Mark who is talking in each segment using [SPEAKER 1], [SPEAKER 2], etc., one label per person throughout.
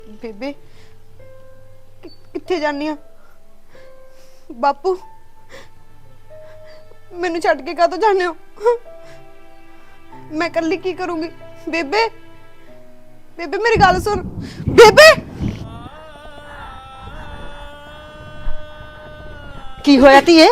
[SPEAKER 1] ਬੇਬੇ ਕਿੱਥੇ ਜਾਨੀ ਆ? ਬਾਪੂ ਮੈਨੂੰ ਛੱਡ ਕੇ ਕਾਹਤੋਂ ਜਾਂਦੇ ਹੋ? ਮੈਂ ਇਕੱਲੀ ਕੀ ਕਰੂੰਗੀ? ਬੇਬੇ ਬੇਬੇ ਮੇਰੀ ਗੱਲ ਸੁਣ। ਬੇਬੇ
[SPEAKER 2] ਕੀ ਹੋਇਆ ਧੀਏ?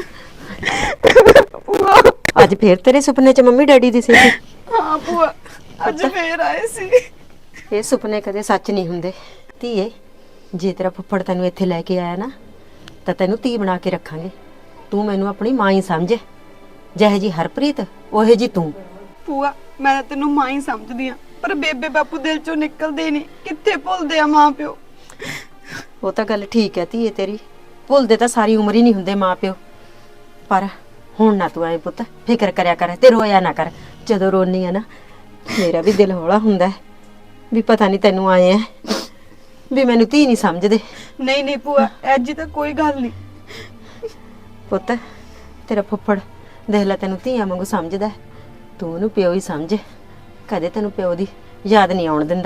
[SPEAKER 2] ਅੱਜ ਫੇਰ ਤੇਰੇ ਸੁਪਨੇ 'ਚ ਮੰਮੀ ਡੈਡੀ ਦੀ ਸੀ?
[SPEAKER 1] ਹਾਂ ਭੂਆ, ਅੱਜ ਫੇਰ ਆਏ ਸੀ।
[SPEAKER 2] ਇਹ ਸੁਪਨੇ ਕਦੇ ਸੱਚ ਨਹੀਂ ਹੁੰਦੇ ਧੀਏ। ਜੇ ਤੇਰਾ ਫੁੱਫੜ ਤੈਨੂੰ ਇੱਥੇ ਲੈ ਕੇ ਆਇਆ ਨਾ ਤਾਂ ਤੈਨੂੰ ਧੀ ਬਣਾ ਕੇ ਰੱਖਾਂਗੇ। ਤੂੰ ਮੈਨੂੰ ਆਪਣੀ ਮਾਂ ਹੀ ਸਮਝ, ਜਿਹੇ ਜੀ ਹਰਪ੍ਰੀਤ ਉਹੇ ਜੀ ਤੂੰ।
[SPEAKER 1] ਭੂਆ ਮੈਂ ਤਾਂ ਤੈਨੂੰ ਮਾਂ ਹੀ ਸਮਝਦੀ ਆ, ਪਰ ਬੇਬੇ ਬਾਪੂ ਦਿਲ ਚੋਂ ਨਿਕਲਦੇ ਨਹੀਂ। ਕਿੱਥੇ ਭੁੱਲਦੇ ਆ ਮਾਂ ਪਿਓ।
[SPEAKER 2] ਉਹ ਤਾਂ ਗੱਲ ਠੀਕ ਹੈ ਧੀਏ ਤੇਰੀ, ਭੁੱਲਦੇ ਤਾਂ ਸਾਰੀ ਉਮਰ ਹੀ ਨਹੀਂ ਹੁੰਦੇ ਮਾਂ ਪਿਓ। ਪਰ ਹੁਣ ਨਾ ਤੂੰ ਐ ਪੁੱਤ ਫਿਕਰ ਕਰਿਆ ਕਰ ਤੇ ਰੋਇਆ ਨਾ ਕਰ। ਜਦੋਂ ਰੋਨੀ ਆ ਨਾ ਮੇਰਾ ਵੀ ਦਿਲ ਹੌਲਾ ਹੁੰਦਾ ਹੈ ਵੀ ਪਤਾ ਨਹੀਂ ਤੈਨੂੰ ਆਏ ਐ ਵੀ ਮੈਨੂੰ ਧੀ ਨਹੀਂ ਸਮਝਦੇ।
[SPEAKER 1] ਨਹੀਂ ਨਹੀਂ ਭੂਆ, ਐਜੀ ਤਾਂ ਕੋਈ ਗੱਲ ਨਹੀਂ।
[SPEAKER 2] ਪੁੱਤ ਤੇਰਾ ਫੁੱਫੜ ਦੇਖ ਲੈ ਤੈਨੂੰ ਧੀਆਂ ਵਾਂਗੂ ਸਮਝਦਾ, ਤੂੰ ਉਹਨੂੰ ਪਿਓ ਹੀ ਸਮਝ। ਕਦੇ ਤੈਨੂੰ ਪਿਓ ਦੀ ਯਾਦ ਨਹੀਂ ਆਉਣ ਦਿੰਦਾ।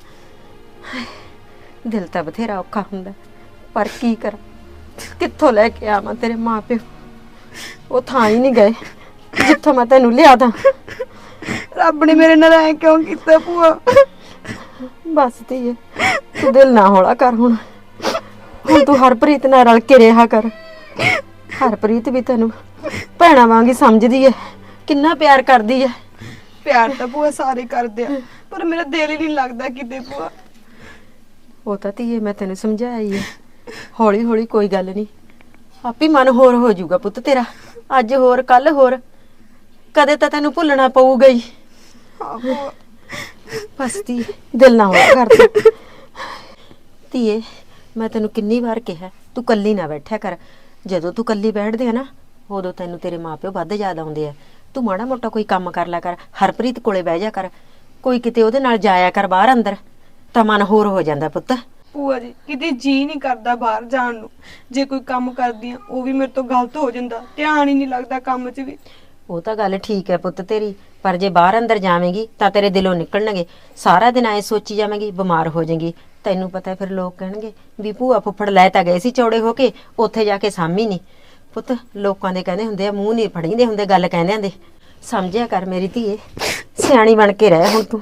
[SPEAKER 2] ਦਿਲ ਤਾਂ ਬਥੇਰਾ ਔਖਾ ਹੁੰਦਾ, ਪਰ ਕੀ ਕਰਾਂ, ਕਿੱਥੋਂ ਲੈ ਕੇ ਆਵਾਂ ਤੇਰੇ ਮਾਂ ਪਿਓ। ਉਹ ਥਾਂ ਹੀ ਨਹੀਂ ਗਏ ਜਿੱਥੋਂ ਮੈਂ ਤੈਨੂੰ ਲਿਆ ਦਾਂ।
[SPEAKER 1] ਰੱਬ ਨੇ ਮੇਰੇ ਨਾਲ ਐ ਕਿਉਂ ਕੀਤਾ ਭੂਆ?
[SPEAKER 2] ਬਸ ਧੀਏ ਤੂੰ ਦਿਲ ਨਾ ਹੌਲਾ ਕਰ। ਹੁਣ ਤੂੰ ਹਰਪ੍ਰੀਤ ਨਾਲ ਰਲ ਕੇ ਰਿਹਾ ਕਰ। ਹਰਪ੍ਰੀਤ ਵੀ ਤੈਨੂੰ ਭੈਣਾ ਵਾਂਗ ਹੀ ਸਮਝਦੀ ਹੈ, ਕਿੰਨਾ ਪਿਆਰ ਕਰਦੀ ਹੈ।
[SPEAKER 1] ਪਿਆਰ ਤਾਂ ਭੂਆ ਸਾਰੇ ਕਰਦੇ ਆ, ਪਰ ਮੇਰਾ ਦਿਲ ਹੀ ਨਹੀਂ ਲੱਗਦਾ ਕਿਤੇ ਭੂਆ।
[SPEAKER 2] ਉਹ ਤਾਂ ਧੀਏ ਮੈਂ ਤੈਨੂੰ ਸਮਝਾਇਆ ਹੀ ਹੈ, ਹੌਲੀ ਹੌਲੀ ਕੋਈ ਗੱਲ ਨਹੀਂ, ਆਪੇ ਮਨ ਹੋਰ ਹੋ ਜਾਊਗਾ ਪੁੱਤ ਤੇਰਾ। ਅੱਜ ਹੋਰ ਕੱਲ ਹੋਰ, ਕਦੇ ਤਾਂ ਤੈਨੂੰ ਭੁੱਲਣਾ ਪਊਗਾ ਹੀ।
[SPEAKER 1] ਹਾਂ ਭੂਆ।
[SPEAKER 2] ਬਸ ਧੀਏ ਦਿਲ ਨਾ ਹੌਲਾ ਕਰ ਤੂੰ। ਧੀਏ ਮੈਂ ਤੈਨੂੰ ਕਿੰਨੀ ਵਾਰ ਕਿਹਾ ਤੂੰ ਕੱਲੀ ਨਾ ਬੈਠਿਆ ਕਰ। ਜਦੋਂ ਤੂੰ ਕੱਲੀ ਬੈਠਦੇ ਆ ਨਾ ਉਦੋਂ ਤੈਨੂੰ ਤੇਰੇ ਮਾਪਿਓ ਵੱਧ ਯਾਦ ਆਉਂਦੇ ਆ। ਤੂੰ ਮਾੜਾ ਮੋਟਾ ਕੋਈ ਕੰਮ ਕਰ ਲਿਆ ਕਰ, ਹਰਪ੍ਰੀਤ ਕੋਲੇ ਬਹਿ ਜਾ ਕਰ, ਕੋਈ ਕਿਤੇ ਉਹਦੇ ਨਾਲ ਜਾਇਆ ਕਰ ਬਾਹਰ ਅੰਦਰ, ਤਾਂ ਮਨ ਹੋਰ ਹੋ ਜਾਂਦਾ ਪੁੱਤ।
[SPEAKER 1] ਭੂਆ ਜੀ ਕਿਤੇ ਜੀ ਨਹੀਂ ਕਰਦਾ ਬਾਹਰ ਜਾਣ ਨੂੰ। ਜੇ ਕੋਈ ਕੰਮ ਕਰਦੀ ਆ ਉਹ ਵੀ ਮੇਰੇ ਤੋਂ ਗਲਤ ਹੋ ਜਾਂਦਾ, ਧਿਆਨ ਹੀ ਨਹੀਂ ਲੱਗਦਾ ਕੰਮ 'ਚ ਵੀ।
[SPEAKER 2] ਉਹ ਤਾਂ ਗੱਲ ਠੀਕ ਹੈ ਪੁੱਤ ਤੇਰੀ, ਪਰ ਜੇ ਬਾਹਰ ਅੰਦਰ ਜਾਵੇਂਗੀ ਤਾਂ ਤੇਰੇ ਦਿਲੋਂ ਨਿਕਲਣਗੇ। ਸਾਰਾ ਦਿਨ ਐ ਸੋਚੀ ਜਾਵੇਂਗੀ ਬਿਮਾਰ ਹੋ ਜਾਏਗੀ। ਤੈਨੂੰ ਪਤਾ ਫਿਰ ਲੋਕ ਕਹਿਣਗੇ ਵੀ ਭੂਆ ਫੁੱਫੜ ਲੈ ਤਾਂ ਗਏ ਸੀ ਚੌੜੇ ਹੋ ਕੇ, ਉੱਥੇ ਜਾ ਕੇ ਸਾਂਭੀ ਨਹੀਂ। ਪੁੱਤ ਲੋਕਾਂ ਦੇ ਕਹਿੰਦੇ ਹੁੰਦੇ ਆ ਮੂੰਹ ਨਹੀਂ ਫੜੀਂਦੇ ਹੁੰਦੇ, ਗੱਲ ਕਹਿੰਦੇ ਹੁੰਦੇ। ਸਮਝਿਆ ਕਰ ਮੇਰੀ ਧੀਏ, ਸਿਆਣੀ ਬਣ ਕੇ ਰਹਿ ਹੁਣ ਤੂੰ।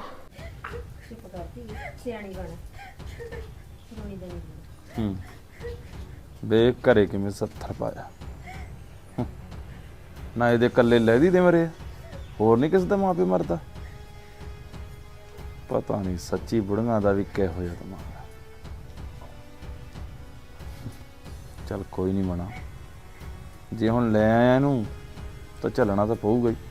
[SPEAKER 2] ਸਿਆਣੀ ਬਣ।
[SPEAKER 3] ਵੇ ਘਰੇ ਕਿਵੇਂ 70 ਪਾਇਆ ਨਾ, ਇਹਦੇ ਕੱਲੇ ਲਹਿਦੀ ਦੇ ਮਰੇ, ਹੋਰ ਨਹੀਂ ਕਿਸੇ ਦਾ ਮਾਂ ਪਿਓ ਮਰਦਾ। ਪਤਾ ਨਹੀਂ ਸੱਚੀ ਬੁੜੀਆਂ ਦਾ ਵੀ ਕਿਹੋ ਜਿਹਾ ਦਿਮਾਗ। ਚੱਲ ਕੋਈ ਨਹੀਂ ਮਣਾ, ਜੇ ਹੁਣ ਲੈ ਆਇਆ ਇਹਨੂੰ ਤਾਂ ਚੱਲਣਾ ਤਾਂ ਪਊਗਾ ਹੀ।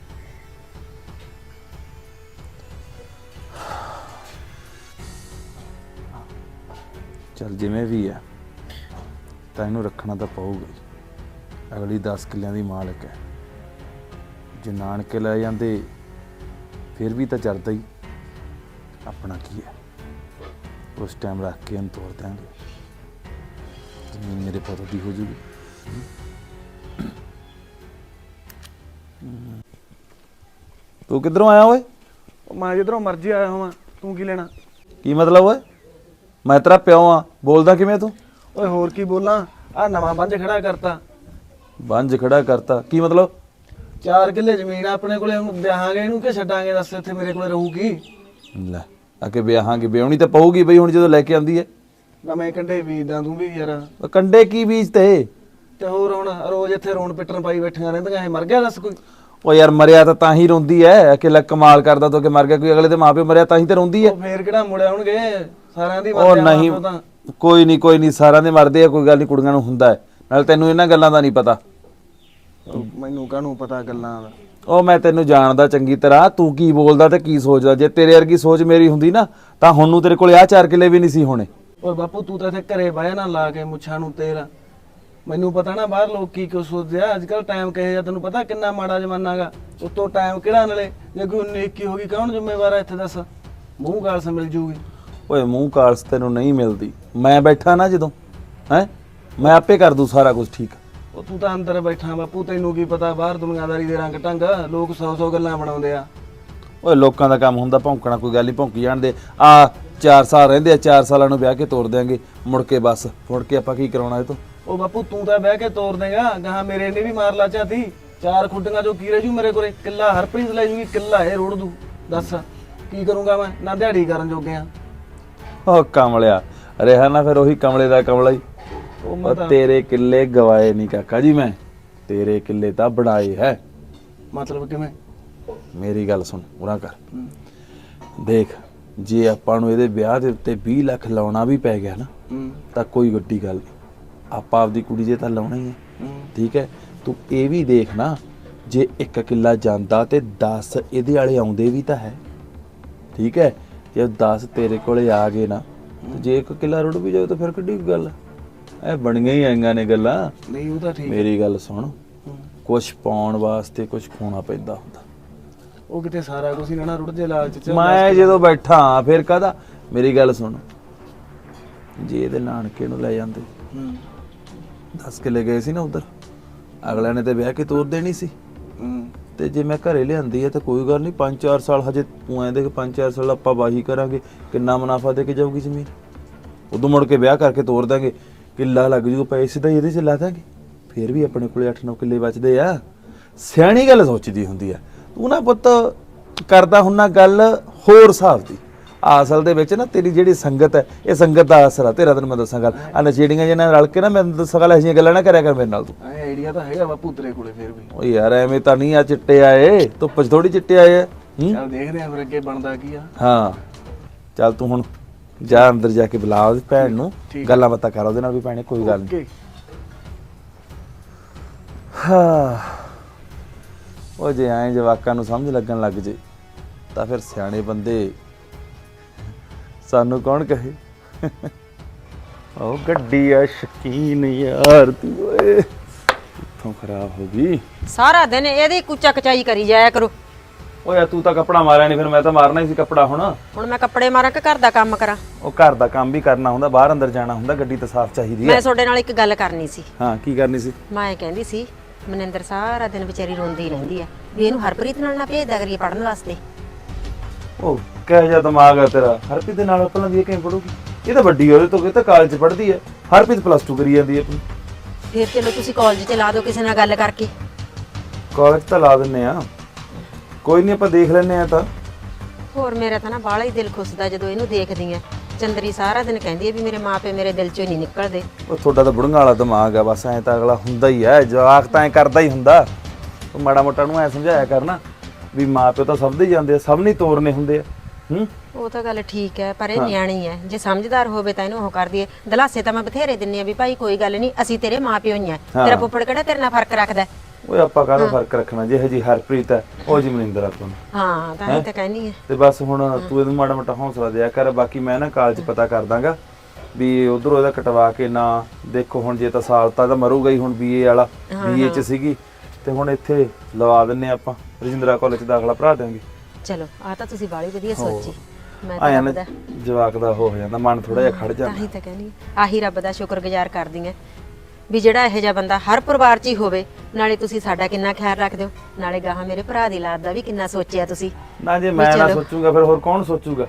[SPEAKER 3] ਚੱਲ ਜਿਵੇਂ ਵੀ ਹੈ ਤਾਂ ਇਹਨੂੰ ਰੱਖਣਾ ਤਾਂ ਪਊਗਾ ਹੀ। ਅਗਲੀ 10 ਕਿੱਲਿਆਂ ਦੀ ਮਾਲਕ ਹੈ, ਜੇ ਨਾਨਕੇ ਲੈ ਜਾਂਦੇ ਫਿਰ ਵੀ ਤਾਂ ਚੜਦਾ ਹੀ। ਆਪਣਾ ਕੀ ਹੈ, ਉਸ ਟਾਈਮ ਰੱਖ ਕੇ ਇਹਨੂੰ ਤੋੜ ਦਿਆਂਗੇ, ਜ਼ਮੀਨ ਮੇਰੇ ਪੁੱਤ ਦੀ ਹੋ ਜੂਗੀ। ਤੂੰ ਕਿੱਧਰੋਂ ਆਇਆ ਓਏ?
[SPEAKER 4] ਮੈਂ ਜਿੱਧਰੋਂ ਮਰਜ਼ੀ ਆਇਆ ਹਾਂ, ਤੂੰ ਕੀ ਲੈਣਾ?
[SPEAKER 3] ਕੀ ਮਤਲਬ ਓਏ? ਮੈਂ ਤੇਰਾ ਪਿਓ ਆ, ਬੋਲਦਾ ਕਿਵੇਂ ਤੂੰ?
[SPEAKER 4] ਓਏ ਹੋਰ ਕੀ ਬੋਲਾਂ, ਆ ਨਵਾਂ ਬੰਜ ਖੜਾ ਕਰਤਾ।
[SPEAKER 3] ਬੰਜ ਖੜਾ ਕਰਤਾ ਕੀ ਮਤਲਬ?
[SPEAKER 4] 4 ਕਿੱਲੇ ਜ਼ਮੀਨ ਆਪਣੇ ਕੋਲੇ, ਹੁਣ ਵਿਆਹਾਂਗੇ ਇਹਨੂੰ ਕਿ ਛੱਡਾਂਗੇ? ਦੱਸ ਇੱਥੇ ਮੇਰੇ ਕੋਲੇ ਰਹੂਗੀ?
[SPEAKER 3] ਲੈ ਆ ਕੇ ਵਿਆਹਾਂਗੇ, ਵਿਆਹਣੀ ਤਾਂ ਪਊਗੀ ਬਈ ਹੁਣ ਜਦੋਂ ਲੈ ਕੇ ਆਂਦੀ ਹੈ।
[SPEAKER 4] ਨਾ ਮੈਂ ਕੰਡੇ ਬੀਜਦਾ, ਤੂੰ ਵੀ ਯਾਰ।
[SPEAKER 3] ਕੰਡੇ ਕੀ ਬੀਜ ਤੇ
[SPEAKER 4] ਹੋਰ ਹੁਣ ਰੋਜ਼ ਇੱਥੇ ਰੋਣ ਪਿੱਟਣ ਪਾਈ ਬੈਠੀਆਂ ਰਹਿੰਦੀਆਂ, ਇਹ ਮਰ ਗਿਆ ਦੱਸ ਕੋਈ?
[SPEAKER 3] ਉਹ ਯਾਰ ਮਰਿਆ ਤਾਂ ਹੀ ਰੋਂਦੀ ਐ ਕਿ ਲੈ ਕਮਾਲ ਕਰਦਾ ਤੂੰ ਕਿ ਮਰ ਗਿਆ ਕੋਈ, ਅਗਲੇ ਦੇ ਮਾਪਿਓ ਮਰਿਆ ਤਾਂ ਹੀ ਤੇ ਰੋਂਦੀ ਐ।
[SPEAKER 4] ਉਹ ਫੇਰ ਕਿਹੜਾ ਮੁੜਿਆ ਹੋਣਗੇ, ਸਾਰਿਆਂ ਦੀ
[SPEAKER 3] ਉਹ ਨਹੀਂ ਕੋਈ ਨਹੀਂ ਸਾਰਿਆਂ ਦੇ ਮਰਦੇ ਆ, ਕੋਈ ਗੱਲ ਨਹੀਂ, ਕੁੜੀਆਂ ਨੂੰ ਹੁੰਦਾ ਹੈ। ਨਾਲ ਤੈਨੂੰ ਇਹਨਾਂ ਗੱਲਾਂ ਦਾ ਨਹੀਂ ਪਤਾ।
[SPEAKER 4] ਮੈਨੂੰ ਕਾਹਨੂੰ ਪਤਾ ਗੱਲਾਂ ਦਾ?
[SPEAKER 3] ਉਹ ਮੈਂ ਤੈਨੂੰ ਜਾਣਦਾ ਚੰਗੀ ਤਰ੍ਹਾਂ, ਤੂੰ ਕੀ ਬੋਲਦਾ ਤੇ ਕੀ ਸੋਚਦਾ। ਜੇ ਤੇਰੇ ਵਰਗੀ ਸੋਚ ਮੇਰੀ ਹੁੰਦੀ ਨਾ ਤਾਂ ਹੁਣ ਨੂੰ ਤੇਰੇ ਕੋਲ ਆਹ 4 ਕਿੱਲੇ ਵੀ ਨਹੀਂ ਸੀ ਹੋਣੇ।
[SPEAKER 4] ਔਰ ਬਾਪੂ ਤੂੰ ਤਾਂ ਇੱਥੇ ਘਰੇ ਬਾਇਆ ਨਾ ਲਾ ਕੇ ਮੁੱਛਾਂ ਨੂੰ ਤੇਲ। ਮੈਨੂੰ ਪਤਾ ਨਾ ਬਾਹਰ ਲੋਕ ਕੀ ਕੁਝ ਸੋਚਦੇ ਆ। ਅੱਜ ਕੱਲ ਟਾਈਮ ਕਹੇ ਜਾ, ਤੈਨੂੰ ਪਤਾ ਕਿੰਨਾ ਮਾੜਾ ਜ਼ਮਾਨਾ ਗਾ। ਉਤੋਂ ਟਾਈਮ ਕਿਹੜਾ ਨਲੇ, ਜੇ ਕੋਈ ਨੇਕੀ ਹੋ ਗਈ ਕੌਣ ਜ਼ਿੰਮੇਵਾਰ ਆ ਇੱਥੇ ਦੱਸ? ਮੂੰਹ ਗਾਲਸ ਮਿਲ ਜੂਗੀ।
[SPEAKER 3] ਓਏ ਮੂੰਹ ਕਾਲਸ ਤੈਨੂੰ ਨਹੀਂ ਮਿਲਦੀ, ਮੈਂ ਬੈਠਾ ਨਾ ਜਦੋਂ, ਹੈ ਮੈਂ ਆਪੇ ਕਰ ਦੂੰ ਸਾਰਾ ਕੁਝ ਠੀਕ।
[SPEAKER 4] ਉਹ ਤੂੰ ਤਾਂ ਅੰਦਰ ਬੈਠਾ ਬਾਪੂ, ਤੈਨੂੰ ਕੀ ਪਤਾ ਬਾਹਰ ਦੁਨੀਆਦਾਰੀ ਦੇ ਰੰਗ ਢੰਗ। ਲੋਕ 100 ਗੱਲਾਂ ਬਣਾਉਂਦੇ ਆ।
[SPEAKER 3] ਓਏ ਲੋਕਾਂ ਦਾ ਕੰਮ ਹੁੰਦਾ ਭੌਂਕਣਾ, ਕੋਈ ਗੱਲ ਨਹੀਂ ਭੌਂਕੀ ਜਾਣਦੇ। ਆ 4 ਸਾਲ ਰਹਿੰਦੇ ਆ, 4 ਸਾਲਾਂ ਨੂੰ ਵਿਆਹ ਕੇ ਤੋਰ ਦਿਆਂਗੇ, ਮੁੜ ਕੇ ਬਸ ਮੁੜ ਕੇ ਆਪਾਂ ਕੀ ਕਰਾਉਣਾ ਇਹ ਤੋਂ?
[SPEAKER 4] ਉਹ ਬਾਪੂ ਤੂੰ ਤਾਂ ਬਹਿ ਕੇ ਤੋਰ ਦੇਗਾ, ਗਾਹਾਂ ਮੇਰੇ ਨੇ ਵੀ ਮਾਰ ਲਾ ਝਾਤੀ। 4 ਖੁੱਡੀਆਂ ਜੋ ਕੀ ਰਹਿ ਜੂ ਮੇਰੇ ਕੋਲੇ? ਕਿੱਲਾ ਹਰਪ੍ਰੀਤ ਲੈ ਜੂਗੀ, ਕਿੱਲਾ ਇਹ ਰੋੜ ਦੂ। ਦੱਸ ਕੀ ਕਰੂੰਗਾ ਮੈਂ? ਨਾ ਦਿਹਾੜੀ ਕਰਨ ਜੋਗੇ ਆ।
[SPEAKER 3] ਉਹ ਕਮਲਿਆ ਰਿਹਾ ਨਾ, ਫਿਰ ਉਹੀ ਕਮਲੇ ਦਾ ਕਮਲਾ ਹੀ।
[SPEAKER 4] ਉਹ ਮੈਂ
[SPEAKER 3] ਉਹ ਤੇਰੇ ਕਿੱਲੇ ਗਵਾਏ ਨਹੀਂ ਕਾਕਾ ਜੀ, ਮੈਂ ਤੇਰੇ ਕਿੱਲੇ ਤਾਂ ਬਣਾਏ ਹੈ।
[SPEAKER 4] ਮਤਲਬ ਕਿਵੇਂ?
[SPEAKER 3] ਮੇਰੀ ਗੱਲ ਸੁਣ, ਉਰਾ ਕਰ। ਦੇਖ, ਜੇ ਆਪਾਂ ਨੂੰ ਇਹਦੇ ਵਿਆਹ ਦੇ ਉੱਤੇ 20 ਲੱਖ ਲਾਉਣਾ ਵੀ ਪੈ ਗਿਆ ਨਾ ਤਾਂ ਕੋਈ ਵੱਡੀ ਗੱਲ ਨਹੀਂ, ਆਪਾਂ ਆਪਦੀ ਕੁੜੀ ਜੇ ਤਾਂ ਲਾਉਣਾ ਹੀ ਹੈ। ਠੀਕ ਹੈ, ਤੂੰ ਇਹ ਵੀ ਦੇਖ ਨਾ, ਜੇ 1 ਕਿੱਲਾ ਜਾਂਦਾ ਤੇ 10 ਇਹਦੇ ਵਾਲੇ ਆਉਂਦੇ ਵੀ ਤਾਂ ਹੈ। ਠੀਕ ਹੈ, ਜੇ 10 ਤੇਰੇ ਕੋਲੇ ਆ ਗਏ ਨਾ, ਤੇ ਜੇ 1 ਕਿੱਲਾ ਰੁੜ ਵੀ ਜਾਵੇ ਤਾਂ ਫਿਰ ਕਿੱਡੀ ਗੱਲ ਹੈ? ਇਹ ਬਣੀਆਂ ਹੀ ਆਈਆਂ ਨੇ ਗੱਲਾਂ।
[SPEAKER 4] ਨਹੀਂ ਉਹ ਤਾਂ ਠੀਕ।
[SPEAKER 3] ਮੇਰੀ ਗੱਲ ਸੁਣ, ਕੁਛ ਪਾਉਣ ਵਾਸਤੇ ਕੁਛ ਖੋਣਾ ਪੈਂਦਾ ਹੁੰਦਾ।
[SPEAKER 4] ਉਹ ਕਿਤੇ ਸਾਰਾ ਕੁਝ ਹੀ ਨਾ ਰੁੜ ਜੇ ਲਾਲਚ ਚ।
[SPEAKER 3] ਮੈਂ ਜਦੋਂ ਬੈਠਾ ਫਿਰ ਕਾਹਦਾ? ਮੇਰੀ ਗੱਲ ਸੁਣ, ਜੇ ਇਹਦੇ ਨਾਨਕੇ ਨੂੰ ਲੈ ਜਾਂਦੇ, 10 ਕਿੱਲੇ ਗਏ ਸੀ ਨਾ ਉਧਰ, ਅਗਲਿਆਂ ਨੇ ਤੇ ਵਿਆਹ ਕੇ ਤੋਰ ਦੇਣੀ ਸੀ। ਤੇ ਜੇ ਮੈਂ ਘਰੇ ਲਿਆਂਦੀ ਹੈ ਤਾਂ ਕੋਈ ਗੱਲ ਨਹੀਂ, 5-4 ਸਾਲ ਹਜੇ ਤੂੰ ਐਂ ਦੇਖ, 5-4 ਸਾਲ ਆਪਾਂ ਵਾਹੀ ਕਰਾਂਗੇ, ਕਿੰਨਾ ਮੁਨਾਫਾ ਦੇ ਕੇ ਜਾਊਗੀ ਜ਼ਮੀਨ। ਉਦੋਂ ਮੁੜ ਕੇ ਵਿਆਹ ਕਰਕੇ ਤੋਰ ਦਾਂਗੇ, ਕਿੱਲਾ ਲੱਗ ਜੂਗਾ, ਪੈਸੇ ਤਾਂ ਇਹਦੇ 'ਚ ਲਾ ਦਾਂਗੇ, ਫਿਰ ਵੀ ਆਪਣੇ ਕੋਲੇ 8-9 ਕਿੱਲੇ ਬਚਦੇ ਆ। ਸਿਆਣੀ ਗੱਲ ਸੋਚਦੀ ਹੁੰਦੀ ਆ। ਤੂੰ ਨਾ ਪੁੱਤ ਕਰਦਾ ਹੁੰਨਾ ਗੱਲ ਹੋਰ ਹਿਸਾਬ ਦੀ। ਅਸਲ ਦੇ ਵਿੱਚ ਨਾ ਤੇਰੀ ਜਿਹੜੀ ਸੰਗਤ ਹੈ, ਇਹ ਸੰਗਤ ਦਾ ਅਸਰ ਆ ਤੇਰਾ। ਤੈਨੂੰ ਮੈਂ ਦੱਸਾਂ ਗੱਲ, ਆ ਨਸ਼ੇੜੀਆਂ ਜਿਹਨਾਂ ਨਾਲ ਰਲ ਕੇ ਨਾ, ਮੈਂ ਦੱਸਾਂ ਗੱਲ, ਇਹੋ ਜਿਹੀਆਂ ਗੱਲਾਂ ਨਾ ਕਰਿਆ ਕਰ ਮੇਰੇ ਨਾਲ ਤੂੰ।
[SPEAKER 4] ਐ ਆਈਡੀਆ ਤਾਂ ਹੈਗਾ ਬਾਪੂ ਤੇਰੇ ਕੋਲੇ ਫਿਰ ਵੀ।
[SPEAKER 3] ਓ ਯਾਰ ਐਵੇਂ ਤਾਂ ਨਹੀਂ ਆ ਚਿੱਟੇ ਆਏ, ਧੁੱਪ 'ਚ ਥੋੜੀ ਚਿੱਟੇ ਆਏ ਆ।
[SPEAKER 4] ਚੱਲ ਦੇਖਦੇ ਆਂ ਫਿਰ ਅੱਗੇ ਬਣਦਾ ਕੀ ਆ।
[SPEAKER 3] ਹਾਂ ਚੱਲ ਤੂੰ ਹੁਣ ਜਾ ਅੰਦਰ ਜਾ ਕੇ ਬੁਲਾ ਉਹਦੀ ਭੈਣ ਨੂੰ, ਗੱਲਾਂ ਬਾਤਾਂ ਕਰ ਉਹਦੇ ਨਾਲ ਵੀ ਭੈਣੇ, ਕੋਈ ਗੱਲ ਨਹੀਂ। ਹਾਂ, ਉਹ ਜੇ ਐਂ ਜਵਾਕਾਂ ਨੂੰ ਸਮਝ ਲੱਗਣ ਲੱਗ ਜੇ ਤਾਂ ਫਿਰ ਸਿਆਣੇ ਬੰਦੇ ਸਾਨੂੰ ਕੌਣ ਕਹੇ। ਉਹ ਗੱਡੀ ਆ ਸ਼ਕੀਨ ਯਾਰ ਤੂੰ, ਓਏ ਇੱਥੋਂ ਖਰਾਬ ਹੋ ਗਈ।
[SPEAKER 2] ਸਾਰਾ ਦਿਨ ਇਹਦੀ ਕੁਚਾ ਕਚਾਈ ਕਰੀ ਜਾਇਆ ਕਰੋ।
[SPEAKER 3] ਓਏ ਤੂੰ ਤਾਂ ਕੱਪੜਾ ਮਾਰਿਆ ਨਹੀਂ, ਫਿਰ ਮੈਂ ਤਾਂ ਮਾਰਨਾ ਹੀ ਸੀ ਕੱਪੜਾ।
[SPEAKER 2] ਹੁਣ ਮੈਂ ਕੱਪੜੇ ਮਾਰਾਂ ਕਿ ਘਰ ਦਾ ਕੰਮ ਕਰਾਂ?
[SPEAKER 3] ਉਹ ਘਰ ਦਾ ਕੰਮ ਵੀ ਕਰਨਾ ਹੁੰਦਾ, ਬਾਹਰ ਅੰਦਰ ਜਾਣਾ ਹੁੰਦਾ, ਗੱਡੀ ਤਾਂ ਸਾਫ਼ ਚਾਹੀਦੀ ਹੈ।
[SPEAKER 2] ਮੈਂ ਤੁਹਾਡੇ ਨਾਲ ਇੱਕ ਗੱਲ ਕਰਨੀ ਸੀ।
[SPEAKER 3] ਹਾਂ, ਕੀ ਕਰਨੀ ਸੀ?
[SPEAKER 2] ਮੈਂ ਇਹ ਕਹਿੰਦੀ ਸੀ, ਮਨਿੰਦਰ ਸਾਰਾ ਦਿਨ ਵਿਚਾਰੀ ਰੋਂਦੀ ਰਹਿੰਦੀ ਹੈ ਵੀ ਇਹਨੂੰ ਹਰਪ੍ਰੀਤ ਨਾਲ ਨਾ ਭੇਜਦਾ ਕਰੀਏ ਪੜਨ ਵਾਸਤੇ।
[SPEAKER 3] ਉਹ ਕਿਹੋ ਜਿਹਾ ਦਿਮਾਗ ਹੈ ਤੇਰਾ? ਹਰਪ੍ਰੀਤ ਦੇ ਨਾਲ ਪਹਿਲਾਂ ਦੀ ਕਿਵੇਂ ਪੜੂਗੀ? ਇਹ ਤਾਂ ਵੱਡੀ ਉਹਦੇ ਤੋਂ, ਇਹ ਤਾਂ ਕਾਲਜ ਪੜ੍ਹਦੀ ਹੈ। ਹਰਪ੍ਰੀਤ +2 ਕਰੀ ਜਾਂਦੀ ਹੈ ਆਪਣੀ।
[SPEAKER 2] ਫਿਰ ਚਲੋ ਤੁਸੀਂ ਕਾਲਜ ਚ ਲਾ ਦਿਓ ਕਿਸੇ ਨਾਲ ਗੱਲ ਕਰਕੇ।
[SPEAKER 3] ਕਾਲਜ ਤਾਂ ਲਾ ਦਿੰਨੇ ਆ, ਕੋਈ ਨਹੀਂ, ਆਪਾਂ ਦੇਖ ਲੈਨੇ ਆ। ਤਾਂ
[SPEAKER 2] ਹੋਰ ਮੇਰਾ ਤਾਂ ਨਾ ਬਾਹਲਾ ਹੀ ਦਿਲ ਖੁੱਸਦਾ ਜਦੋਂ ਇਹਨੂੰ ਦੇਖਦੀ ਆ। ਚੰਦਰੀ ਸਾਰਾ ਦਿਨ ਕਹਿੰਦੀ ਹੈ ਵੀ ਮੇਰੇ ਮਾਪੇ ਮੇਰੇ ਦਿਲ ਚੋਂ ਨਹੀਂ ਨਿਕਲਦੇ।
[SPEAKER 3] ਉਹ ਤੁਹਾਡਾ ਤਾਂ ਬੁੜੀਆਂ ਵਾਲਾ ਦਿਮਾਗ ਆ, ਬਸ ਐਂ ਤਾਂ ਅਗਲਾ ਹੁੰਦਾ ਹੀ ਹੈ, ਜਵਾਕ ਤਾਂ ਐਂ ਕਰਦਾ ਹੀ ਹੁੰਦਾ। ਤੂੰ ਮਾੜਾ ਮੋਟਾ ਨੂੰ ਐਂ ਸਮਝਾਇਆ ਕਰਨਾ ਵੀ ਮਾਪੇ ਤਾਂ ਸਭ ਦੇ ਜਾਂਦੇ ਆ, ਸਭ ਨਹੀਂ ਤੋਰਨੇ ਹੁੰਦੇ ਆ।
[SPEAKER 2] ਉਹ ਤਾਂ ਗੱਲ ਠੀਕ ਹੈ, ਪਰ ਇਹ ਨਿਆਣੀ ਹੈ, ਜੇ ਸਮਝਦਾਰ ਹੋਵੇ ਤਾਂ ਇਹਨੂੰ ਉਹ ਕਰਦੀ ਹੈ। ਦਲਾਸੇ ਤਾਂ ਮੈਂ ਬਥੇਰੇ ਦਿੰਨੀ ਆ ਵੀ ਭਾਈ ਕੋਈ ਗੱਲ ਨਹੀਂ, ਅਸੀਂ ਤੇਰੇ ਮਾਪਿਓ ਹੀ ਆ, ਤੇਰਾ ਫੁੱਫੜ ਕਿਹੜਾ ਤੇਰੇ ਨਾਲ ਫਰਕ ਰੱਖਦਾ।
[SPEAKER 3] ਓਏ ਆਪਾਂ ਕਾਹਦਾ ਫਰਕ ਰੱਖਣਾ, ਜਿਹੋ ਜੀ ਹਰਪ੍ਰੀਤ ਹੈ ਉਹ ਜੀ ਮਨਿੰਦਰ ਆਪਾਂ ਨੂੰ।
[SPEAKER 2] ਹਾਂ ਤਾਂ ਹੀ ਤਾਂ ਕਹਿੰਦੀ ਹੈ।
[SPEAKER 3] ਤੇ ਬਸ ਹੁਣ ਤੂੰ ਇਹਨੂੰ ਮਾੜਾ ਮੋਟਾ ਹੌਸਲਾ ਦਿਆ ਕਰ। ਬਾਕੀ ਮੈਂ ਨਾ ਕਾਲਜ ਪਤਾ ਕਰ ਦਾਂਗਾ ਵੀ ਉਧਰੋਂ ਇਹਦਾ ਕਟਵਾ ਕੇ ਨਾ ਦੇਖੋ। ਹੁਣ ਜੇ ਤਾਂ ਸਾਲ ਤਾਂ ਮਰੂਗਾ ਹੀ, ਹੁਣ BA ਵਾਲਾ BA 'ਚ ਸੀਗੀ, ਤੇ ਹੁਣ ਇੱਥੇ ਲਵਾ ਦਿੰਨੇ ਆਪਾਂ, ਰਜਿੰਦਰਾ ਕਾਲਜ 'ਚ ਦਾਖਲਾ ਭਰਾ ਦੇਾਂਗੇ।
[SPEAKER 2] ਚਲੋ ਆ ਤਾਂ ਤੁਸੀਂ ਬਾਲੀ ਵਧੀਆ ਸੋਚੀ। ਮੈਂ
[SPEAKER 3] ਆਇਆ
[SPEAKER 2] ਤਾਂ
[SPEAKER 3] ਨਾ
[SPEAKER 2] ਰੱਬ ਦਾ
[SPEAKER 3] ਜਵਾਕ ਦਾ ਹੋ ਜਾਂਦਾ ਮਨ, ਥੋੜਾ ਜਿਹਾ ਖੜ
[SPEAKER 2] ਤਾਂ
[SPEAKER 3] ਜਾਂਦਾ।
[SPEAKER 2] ਹੀ ਤਾਂ ਕਹਿੰਦੀ ਆਹੀ ਰੱਬ ਦਾ ਸ਼ੁਕਰਗੁਜ਼ਾਰ ਕਰਦੀ ਆ ਵੀ ਜਿਹੜਾ ਇਹੋ ਜਿਹਾ ਬੰਦਾ ਹਰ ਪਰਿਵਾਰ 'ਚ ਹੀ ਹੋਵੇ। ਨਾਲੇ ਤੁਸੀਂ ਸਾਡਾ ਕਿੰਨਾ ਖਿਆਲ ਰੱਖਦੇ ਹੋ, ਨਾਲੇ ਗਾਹਾਂ ਮੇਰੇ ਭਰਾ ਦੀ ਲਾਦ ਦਾ ਵੀ ਕਿੰਨਾ ਸੋਚਿਆ ਤੁਸੀਂ।
[SPEAKER 3] ਨਾ ਜੇ ਮੈਂ ਨਾ ਸੋਚੂਗਾ ਫਿਰ ਹੋਰ ਕੌਣ ਸੋਚੂਗਾ?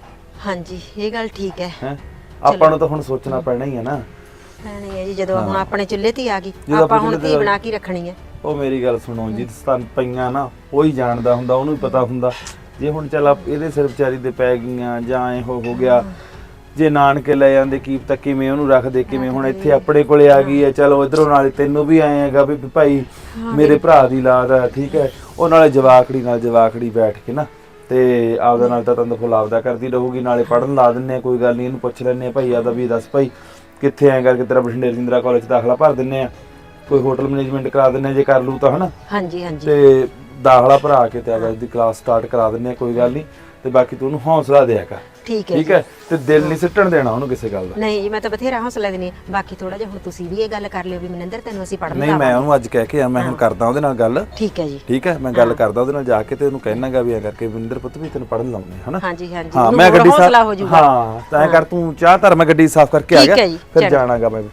[SPEAKER 2] ਹਾਂਜੀ ਇਹ ਗੱਲ ਠੀਕ ਹੈ।
[SPEAKER 3] ਹੈ ਆਪਾਂ ਨੂੰ ਤਾਂ ਹੁਣ ਸੋਚਣਾ ਪੈਣਾ ਹੀ ਹੈ ਨਾ।
[SPEAKER 2] ਭੈਣੇ ਹੈ ਜੀ, ਜਦੋਂ ਹੁਣ ਆਪਣੇ ਚੁੱਲ੍ਹੇ ਤੇ ਆ ਗਈ, ਆਪਾਂ ਹੁਣ ਧੀ ਬਣਾ ਕੇ ਰੱਖਣੀ ਹੈ।
[SPEAKER 3] ਉਹ ਮੇਰੀ ਗੱਲ ਸੁਣੋ, ਜਿਸ ਸਥਾਨ ਪਈਆਂ ਨਾ ਉਹ ਹੀ ਜਾਣਦਾ ਹੁੰਦਾ, ਉਹਨੂੰ ਹੀ ਪਤਾ ਹੁੰਦਾ। ਜੇ ਹੁਣ ਚੱਲ ਇਹਦੇ ਸਿਰ ਵਿਚਾਰੀ ਦੇ ਪੈ ਗਈਆਂ ਜਾਂ ਐ ਹੋ ਗਿਆ, ਜੇ ਨਾਨਕੇ ਲੈ ਜਾਂਦੇ ਕੀ ਪਤਾ ਕਿਵੇਂ ਉਹਨੂੰ ਰੱਖਦੇ, ਕਿਵੇਂ ਹੁਣ ਇੱਥੇ ਆਪਣੇ ਕੋਲੇ ਆ ਗਈ ਹੈ। ਚਲੋ ਇਧਰੋਂ ਨਾਲੇ ਤੈਨੂੰ ਵੀ ਆਏ ਹੈਗਾ ਵੀ ਭਾਈ ਮੇਰੇ ਭਰਾ ਦੀ ਲਾਦ ਹੈ, ਠੀਕ ਹੈ। ਉਹ ਨਾਲੇ ਜਵਾਕੜੀ ਨਾਲ ਜਵਾਕੜੀ ਬੈਠ ਕੇ ਨਾ ਤੇ ਆਪਦਾ ਨਾਲ ਤਾਂ ਤੰਦ ਫੁੱਲ ਆਪਦਾ ਕਰਦੀ ਰਹੂਗੀ, ਨਾਲੇ ਪੜਨ ਲਾ ਦਿੰਨੇ ਆ। ਕੋਈ ਗੱਲ ਨਹੀਂ, ਇਹਨੂੰ ਪੁੱਛ ਲੈਂਦੇ ਆ ਭਾਈ ਆਦਾ ਵੀ ਦੱਸ ਭਾਈ ਕਿੱਥੇ ਐਂ ਕਰਕੇ ਤੇਰਾ ਬਠਿੰਡੇ ਰਜਿੰਦਰਾ ਕਾਲਜ 'ਚ ਦਾਖਲਾ ਭਰ ਦਿੰਨੇ ਆ, ਕੋਈ ਹੋਟਲ ਮੈਨੇਜਮੈਂਟ ਕਰਾ ਦਿੰਨੇ ਜੇ ਕਰ ਲੂ ਤਾਂ ਹਨਾ।
[SPEAKER 2] ਹਾਂਜੀ ਹਾਂਜੀ,
[SPEAKER 3] ਤੇ ਦਾਖਲਾ ਭਰਾ ਕੇ ਤੇ ਆਪਦੀ ਕਲਾਸ ਸਟਾਰਟ ਕਰਾ ਦਿੰਨੇ ਆ, ਕੋਈ ਗੱਲ ਨਹੀਂ। ਤੇ ਬਾਕੀ ਤੂੰ ਉਹਨੂੰ ਹੌਸਲਾ ਦਿਆ ਕਰ,
[SPEAKER 2] ਠੀਕ ਹੈ
[SPEAKER 3] ਠੀਕ ਹੈ। ਤੇ ਦਿਲ ਨਹੀਂ ਸਿੱਟਣ ਦੇਣਾ ਉਹਨੂੰ ਕਿਸੇ ਗੱਲ ਦਾ।
[SPEAKER 2] ਨਹੀਂ ਜੀ, ਮੈਂ ਤਾਂ ਬਥੇਰਾ ਹੌਸਲਾ ਦਿੰਦੀ ਹਾਂ। ਬਾਕੀ ਥੋੜਾ ਜਿਹਾ ਹੁਣ ਤੁਸੀਂ ਵੀ ਇਹ ਗੱਲ ਕਰ ਲਿਓ ਵੀ ਮਨਿੰਦਰ ਤੈਨੂੰ ਅਸੀਂ ਪੜ੍ਹਨ
[SPEAKER 3] ਨਹੀਂ, ਮੈਂ ਉਹਨੂੰ ਅੱਜ ਕਹਿ ਕੇ ਆ, ਮੈਂ ਹੁਣ ਕਰਦਾ ਉਹਦੇ ਨਾਲ ਗੱਲ।
[SPEAKER 2] ਠੀਕ ਹੈ ਜੀ,
[SPEAKER 3] ਠੀਕ ਹੈ, ਮੈਂ ਗੱਲ ਕਰਦਾ ਉਹਦੇ ਨਾਲ ਜਾ ਕੇ ਤੇ ਉਹਨੂੰ ਕਹਿਣਾਗਾ ਵੀ ਐ ਕਰਕੇ ਮਨਿੰਦਰ ਪੁੱਤ ਵੀ ਤੈਨੂੰ ਪੜਨ ਲਾਉਣੇ ਹਨਾ।
[SPEAKER 2] ਹਾਂਜੀ ਹਾਂਜੀ,
[SPEAKER 3] ਹਾਂ ਮੈਂ ਗੱਡੀ
[SPEAKER 2] ਹੌਸਲਾ ਹੋ ਜਾਊਗਾ।
[SPEAKER 3] ਹਾਂ ਤਾਂ ਐ ਕਰ ਤੂੰ ਚਾਹ ਧਰ, ਮੈਂ ਗੱਡੀ ਸਾਫ਼ ਕਰਕੇ ਆ ਗਿਆ, ਫਿਰ ਜਾਣਾਗਾ ਮੈਂ।